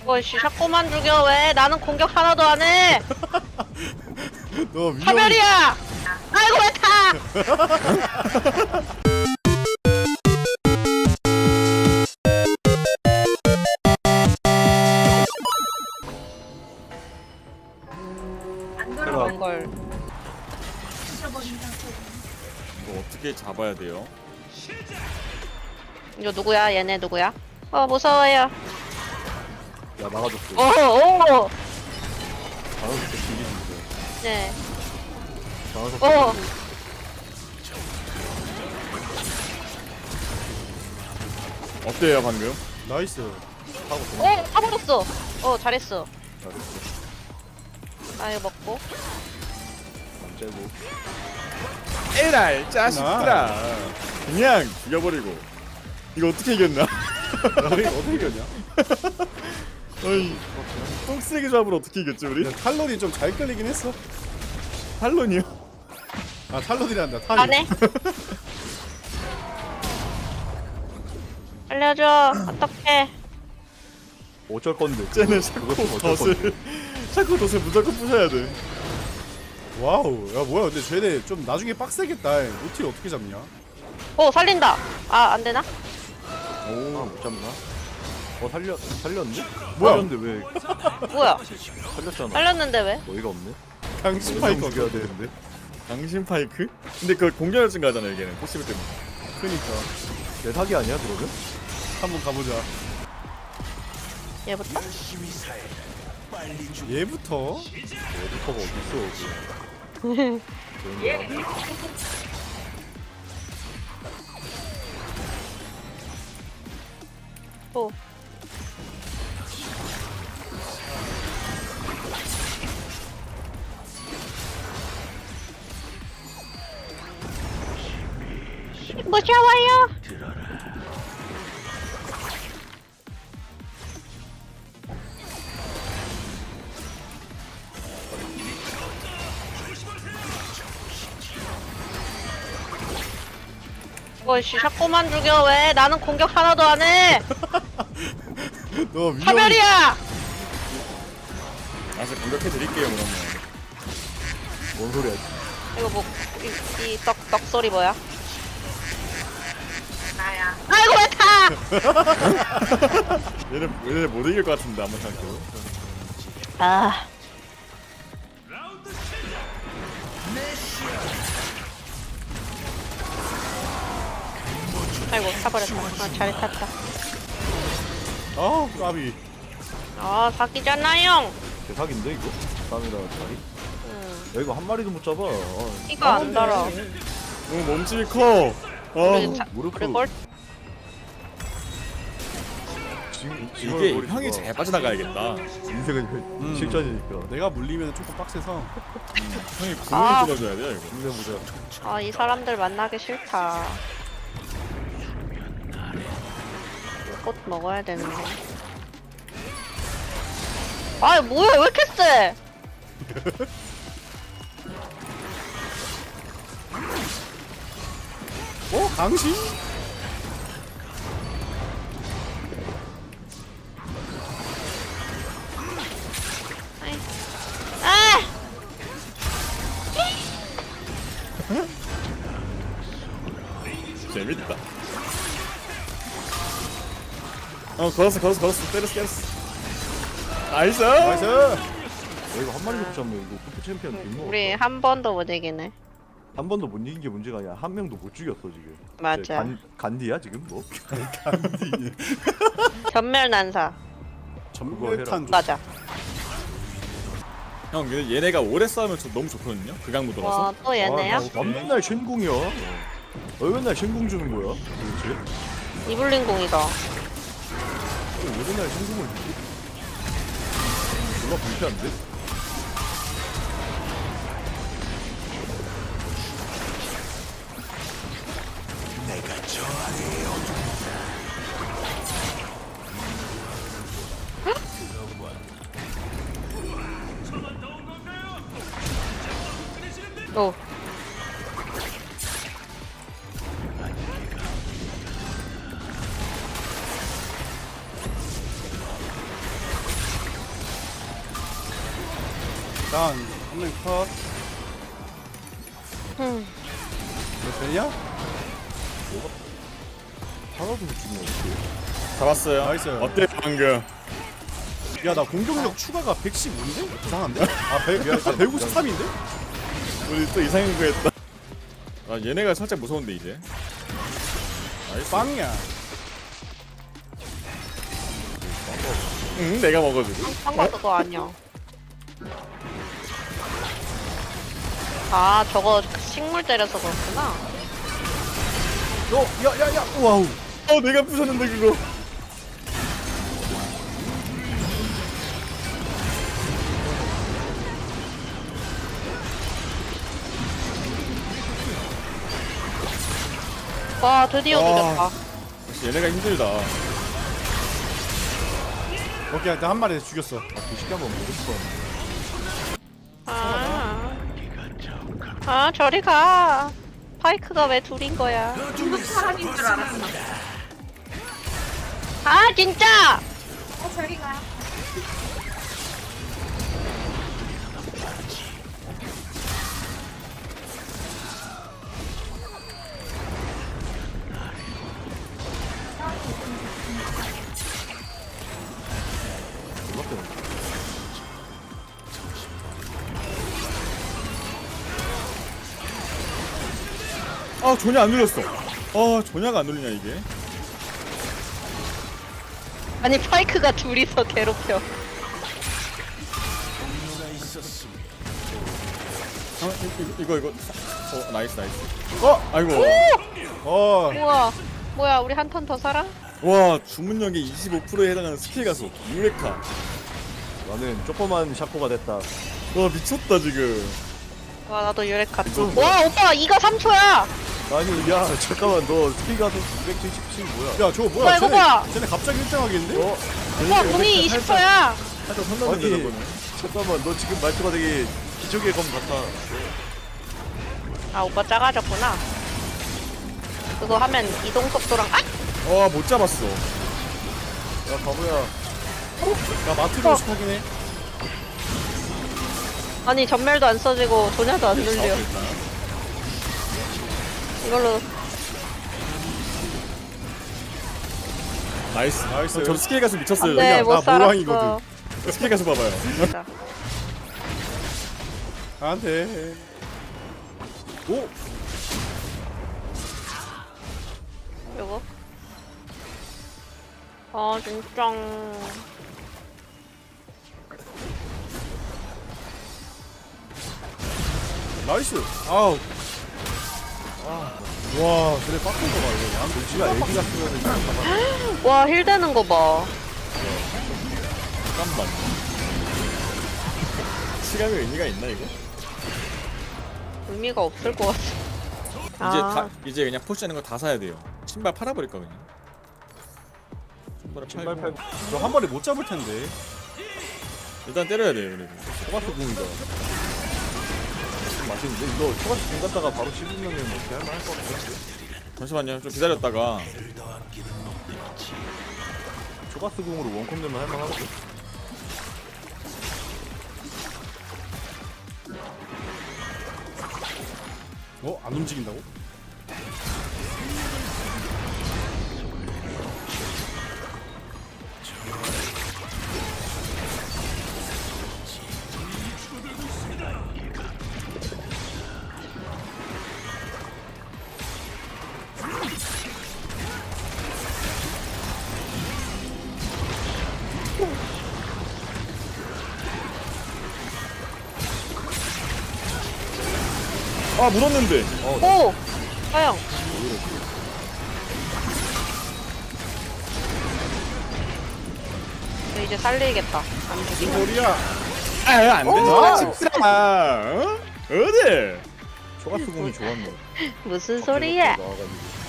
어이씨 자꾸만 죽여. 왜 나는 공격 하나도 안해. 너 위험. 차별이야. 아이고 왜 타. 그런 걸. 이거 어떻게 잡아야 돼요? 이거 누구야? 얘네 누구야? 무서워요. 야 막아줬어. 오. 막아줬어. 죽이는데. 네. 막아줬어. 어때요 방금? 나이스. 하고 도망. 타버렸어. 잘했어. 잘했어. 아 이거 먹고. 안 째고. 에랄 짜식들아. 그냥 죽여버리고. 이거 어떻게 이겼나? 너희 어떻게 이겼냐? 어이 똥쓰레기 조합으로 어떻게 이겼지 우리? 근데 탈론이 좀 잘 끌리긴 했어. 탈론이요? 아 탈론이란다. 탈론. 안 해? 알려줘. 어떡해. 어쩔 건데. 쟤는 그거 샤코 어쩔 건데. 덫을 샤코 덫을 무조건 부셔야 돼. 와우. 야 뭐야? 근데 쟤네 좀 나중에 빡세겠다. 노틸 어떻게 잡냐? 살린다. 안 되나? 못 잡나? 살렸는데? 뭐야? 살렸는데 왜 뭐야? 살렸잖아. 살렸는데 왜? 어이가 없네. 강심 파이크 파이커. 죽여야 되는데. 당신 파이크? 근데 그 공격력 증가하잖아 여기는 포시브 때문에. 그니까 내 사기 아니야 그러면? 한번 가보자. 얘부터? 얘부터. 에디터가 어딨어? 오. 무서워요. 어이씨 자꾸만 죽여. 왜 나는 공격 하나도 안해. 너 위험. 차별이야. 알아서 공격해 드릴게요 그러면. 뭔 소리야? 이거 뭐 이 떡 소리 뭐야? 나야. 아이고 왜 타. 얘네 못 이길 것 같은데 아무 생각해도. 아이고 타버렸다. 잘 탔다. 아 까비. 사기잖아요. 내 사기인데 이거? 땀이라 자리? 야 이거 한 마리도 못 잡아. 이거 안 달아. 너무 몸집이 커. 무릎 우리 걸 이게 형이 잘 빠져나가야겠다. 인생은 실전이니까. 내가 물리면 조금 빡세서. 형이 구멍을 뚫어줘야 돼요 이거. 힘내보자. 이 사람들 만나기 싫다. 꽃 먹어야 되는데. 뭐야 왜 이렇게 세? 강심? 아! 재밌다. 걸었어 때렸어. 나이스. 나이스. 야 이거 한 마리도 못 잡으면 이거 쿠프 챔피언 뒷목. 우리 한 번도 못 이기네. 한 번도 못 이긴 게 문제가 아니야. 한 명도 못 죽였어 지금. 맞아. 이제 간디야 지금 뭐? 전멸 난사. 전멸탄. 맞아. 형 근데 얘네가 오래 싸우면 너무 좋거든요. 극강 무도라서. 또 얘네야? 맨날 쉔궁이야. 왜 맨날 쉔궁 주는 거야? 도대체? 이블린 공이다. 왜 맨날 쉔궁을 주지? 졸라 불쾌한데? 오. 일단 한명 컷. 이거 되냐? 하나도 못 죽네 어떻게? 잡았어요. 나이스. 어때 방금? 야 나 공격력 추가가 115인데? 이상한데? 아 153인데? 우리 또 이상한 거 했다. 아 얘네가 살짝 무서운데 이제. 나이스. 빵이야. 응 내가 먹어주고. 상관 그거 아니야. 아 저거 식물 때려서 그렇구나. 야야야 와우. 내가 부셨는데 그거. 와 드디어 와. 죽였다. 역시 얘네가 힘들다. 오케이 일단 한 마리 죽였어. 쉽게 한번 보고 싶었는데 아 저리 가. 파이크가 왜 둘인 거야? 중국 사람인 줄 알았어. 아 진짜. 저리 가. 아 조냐 안 눌렸어. 조냐가 안 눌리냐 이게. 아니 파이크가 둘이서 괴롭혀. 이거. 나이스. 어? 아이고. 어. 뭐야 우리 한 턴 더 살아? 와 주문력의 25%에 해당하는 스킬 가속 유레카. 나는 조그만 샤코가 됐다. 와 미쳤다 지금. 와 나도 유레카. 와 오빠 이거 3초야. 아니 야 잠깐만 너 스피가 977 뭐야? 야 저거 뭐야? 뭐야, 이거 뭐야? 쟤네 갑자기 1등 하겠는데? 오빠 공이 20초야. 살짝 선남인데 아니 저거는. 잠깐만 너 지금 말투가 되게 기적의 검 같아. 아 오빠 작아졌구나. 그거 하면 이동 속도랑 못 잡았어. 야 바보야. 나 마트 가고 싶어 하긴 해. 아니 전멸도 안 써지고 조냐도 안 눌려. 이걸로 나이스. 저 스킬 가속 미쳤어요. 안돼 여기가. 못 나 살았어. 모랑이거든. 스킬 가속 봐봐요. 진짜. 안 돼. 오! 요거. 아 진짜. 나이스. 아우. 와, 그래 빡센 거 봐, 이거. 야, 지가 애기 같으면 와 힐 되는 거 봐. 잠깐만. 시간이 의미가 있나 이거? 의미가 없을 것 같아. 이제 그냥 포시하는 거 다 사야 돼요. 신발 팔아버릴까 그냥. 신발 팔. 저한 마리 못 잡을 텐데. 일단 때려야 돼요 그래도. 초가스 궁이다. 맛있는데 이거 초가스 궁 갔다가 바로 씹으면 어떻게 할만할 것 같아. 잠시만요 좀 기다렸다가. 초가스 궁으로 원컴 되면 할만하거든. 어? 안 움직인다고? 물었는데. 오! 하영. 저 이제 살리겠다. 안 무슨 죽이면. 소리야? 안 된다. 집사람. 어디? 초가스 궁이 좋았네. 무슨 소리야? 나와가지고.